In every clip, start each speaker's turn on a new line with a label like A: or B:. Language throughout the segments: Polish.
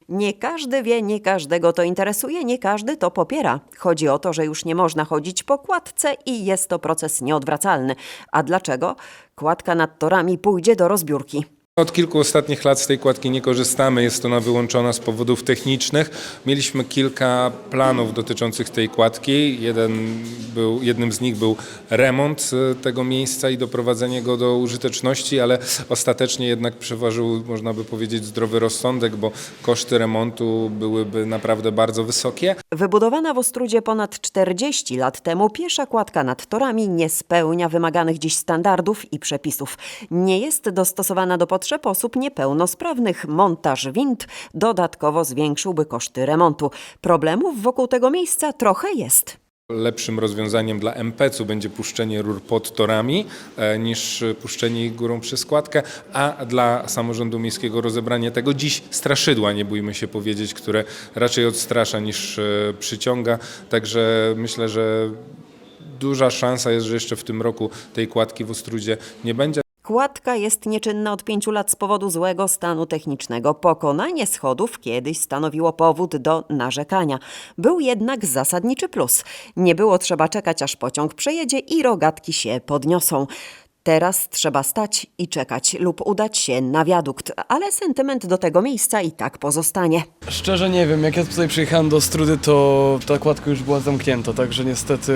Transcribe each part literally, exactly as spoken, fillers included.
A: Nie każdy wie, nie każdego to interesuje, nie każdy to popiera. Chodzi o to, że już nie można chodzić po kładce i jest to proces nieodwracalny. A dlaczego? Kładka nad torami pójdzie do rozbiórki.
B: Od kilku ostatnich lat z tej kładki nie korzystamy, jest ona wyłączona z powodów technicznych. Mieliśmy kilka planów dotyczących tej kładki. Jeden był, jednym z nich był remont tego miejsca i doprowadzenie go do użyteczności, ale ostatecznie jednak przeważył, można by powiedzieć, zdrowy rozsądek, bo koszty remontu byłyby naprawdę bardzo wysokie.
A: Wybudowana w Ostródzie ponad czterdzieści lat temu piesza kładka nad torami nie spełnia wymaganych dziś standardów i przepisów. Nie jest dostosowana do potrzeb osób niepełnosprawnych. Montaż wind dodatkowo zwiększyłby koszty remontu. Problemów wokół tego miejsca trochę jest.
B: Lepszym rozwiązaniem dla em pe ce u będzie puszczenie rur pod torami e, niż puszczenie ich górą przez kładkę, a dla samorządu miejskiego rozebranie tego dziś straszydła, nie bójmy się powiedzieć, które raczej odstrasza niż e, przyciąga. Także myślę, że duża szansa jest, że jeszcze w tym roku tej kładki w Ostródzie nie będzie.
A: Kładka jest nieczynna od pięciu lat z powodu złego stanu technicznego. Pokonanie schodów kiedyś stanowiło powód do narzekania. Był jednak zasadniczy plus. Nie było trzeba czekać, aż pociąg przejedzie i rogatki się podniosą. Teraz trzeba stać i czekać lub udać się na wiadukt, ale sentyment do tego miejsca i tak pozostanie.
C: Szczerze nie wiem, jak ja tutaj przyjechałem do Ostródy, to ta kładka już była zamknięta, także niestety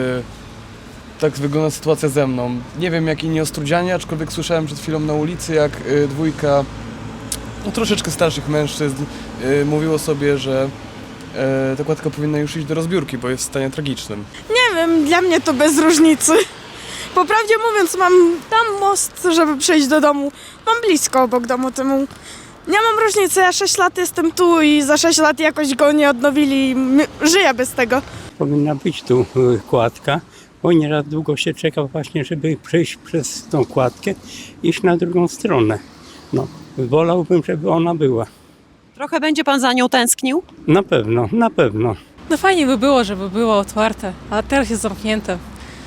C: tak wygląda sytuacja ze mną. Nie wiem jak inni ostródzianie, aczkolwiek słyszałem przed chwilą na ulicy, jak y, dwójka no, troszeczkę starszych mężczyzn y, mówiło sobie, że y, ta kładka powinna już iść do rozbiórki, bo jest w stanie tragicznym.
D: Nie wiem, dla mnie to bez różnicy. Po prawdzie mówiąc, mam tam most, żeby przejść do domu. Mam blisko obok domu temu. Nie mam różnicy, ja sześć lat jestem tu i za sześć lat jakoś go nie odnowili i żyję bez tego.
E: Powinna być tu y, kładka, bo nieraz długo się czeka właśnie, żeby przejść przez tą kładkę i iść na drugą stronę. No, wolałbym, żeby ona była.
A: Trochę będzie pan za nią tęsknił?
E: Na pewno, na pewno.
F: No fajnie by było, żeby było otwarte, a teraz jest zamknięte.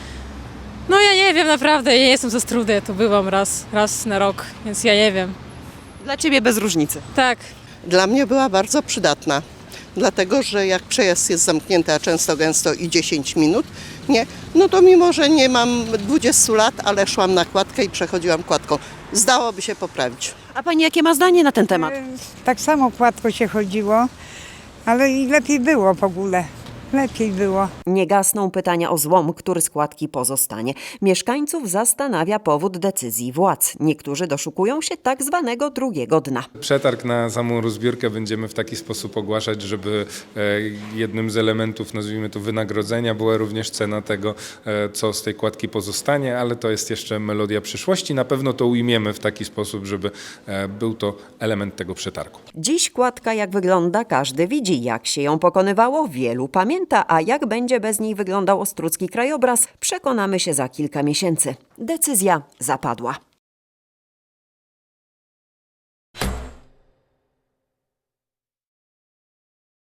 F: No ja nie wiem naprawdę, ja nie jestem ze Ostródy, ja tu byłam raz, raz na rok, więc ja nie wiem.
A: Dla ciebie bez różnicy.
F: Tak.
G: Dla mnie była bardzo przydatna, dlatego że jak przejazd jest zamknięty, a często gęsto i dziesięć minut, nie, no to mimo, że nie mam dwudziestu lat, ale szłam na kładkę i przechodziłam kładką. Zdałoby się poprawić.
A: A pani jakie ma zdanie na ten temat?
H: Tak samo kładko się chodziło, ale i lepiej było w ogóle. Lepiej było.
A: Nie gasną pytania o złom, który z kładki pozostanie. Mieszkańców zastanawia powód decyzji władz. Niektórzy doszukują się tak zwanego drugiego dna.
B: Przetarg na samą rozbiórkę będziemy w taki sposób ogłaszać, żeby e, jednym z elementów, nazwijmy to wynagrodzenia, była również cena tego, e, co z tej kładki pozostanie, ale to jest jeszcze melodia przyszłości. Na pewno to ujmiemy w taki sposób, żeby e, był to element tego przetargu.
A: Dziś kładka jak wygląda, każdy widzi. Jak się ją pokonywało, wielu pamięta. A jak będzie bez niej wyglądał ostródzki krajobraz, przekonamy się za kilka miesięcy. Decyzja zapadła.